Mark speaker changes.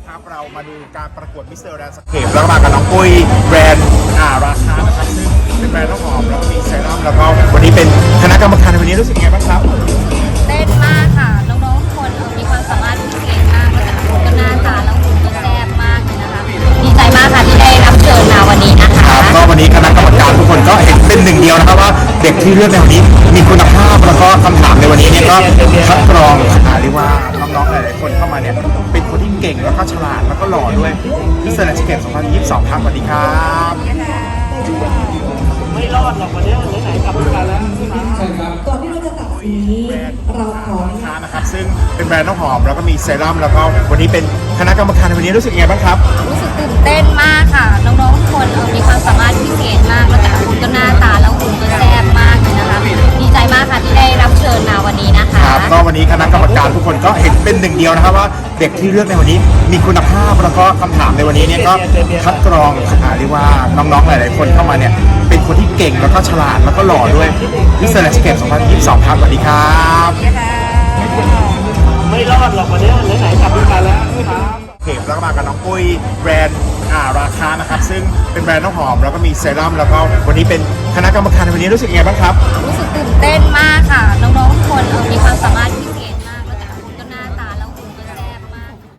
Speaker 1: ครับเรามาดูการประกวดมิสเตอร์แลนด์สเคปแล้วก็มากับน้องปุ้ยแบรนด์ราคานะครับซึ่งเป็นแบรนด์น้ำหอมแล้วก็มีเซรั่มแล้วก็วันนี้เป็นคณะกรรมการในวันนี้รู้สึกยังไงบ้างครับ
Speaker 2: เต้นมากค่ะน้องๆทุกคนมีความสามารถพิเศษมากแล้วแต่ละคนก็หน้าตาแล้วหุ่นก็แซ่บมากเลยนะคะดีใจมากค่ะที่ได้รับเชิญมาวันนี้นะคะ
Speaker 1: ครับก็วันนี้คณะกรรมการทุกคนก็เห็นเป็นหนึ่งเดียวนะครับว่าเด็กที่เลือกในวันนี้มีคุณภาพแล้วก็คำถามในวันนี้เนี่ยก็คัดกรองเรียกว่าน้องๆหลายๆคนเข้ามาเนี่ยเป็นคนที่เก่งแล้วก็ฉลาดแล้วก็หล่อด้วยมิสเตอร์แลนด์สเคป2022ครับสวัสดีครับ
Speaker 3: ไม่รอดหรอกวันนี้ไหนๆกลับมาแล้ว
Speaker 4: ก่อนที่เราจะตัดสีนี้เราขอ
Speaker 1: ราคานะครับซึ่งเป็นแบรนด์น้ำหอมแล้วก็มีเซรั่มแล้วก็วันนี้เป็นคณะกรรมการในวันนี้รู้สึกยังไงบ้างครับ
Speaker 2: รู้สึกตื่นเต้นมากค่ะน้องๆทุกคนมีความสามารถพิเศษมากแล้วแต่ละคนก็หน้าตาแล้วหุ่นก็แซ่บมากเลยนะคะดีใจมากค่ะที่ได้รับเชิญมาวันนี้นะคะ
Speaker 1: ครับก็วันนี้คณะกรรมการทุกคนก็เห็นเป็นหนึ่งเดียวนะครับว่าเด็กที่เลือกในวันนี้มีคุณภาพแล้วก็คำถามในวันนี้เนี่ยก็คัดกรองเรียกว่าน้องๆหลายๆคนเข้ามาเนี่ยเป็นคนที่เก่งแล้วก็ฉลาดแล้วก็หล่อด้วยมิสเตอร์แลนด์สเคป2022ครับสวัสดีครับ
Speaker 3: ไม่รอดหรอกวันนี้ไหนๆกลับมาแล้วครับ
Speaker 1: เข็มแล้วก็มากับน้องปุ้ยแบรนด์ราคานะครับซึ่งเป็นแบรนด์น้ำหอมแล้วก็มีเซรั่มแล้วก็วันนี้เป็นคณะกรรมการในวันนี้รู้สึกยังไงบ้างครับ
Speaker 2: รู้สึกตื่นเต้นมากค่ะน้องๆทุกคนมีความสามารถพิเศ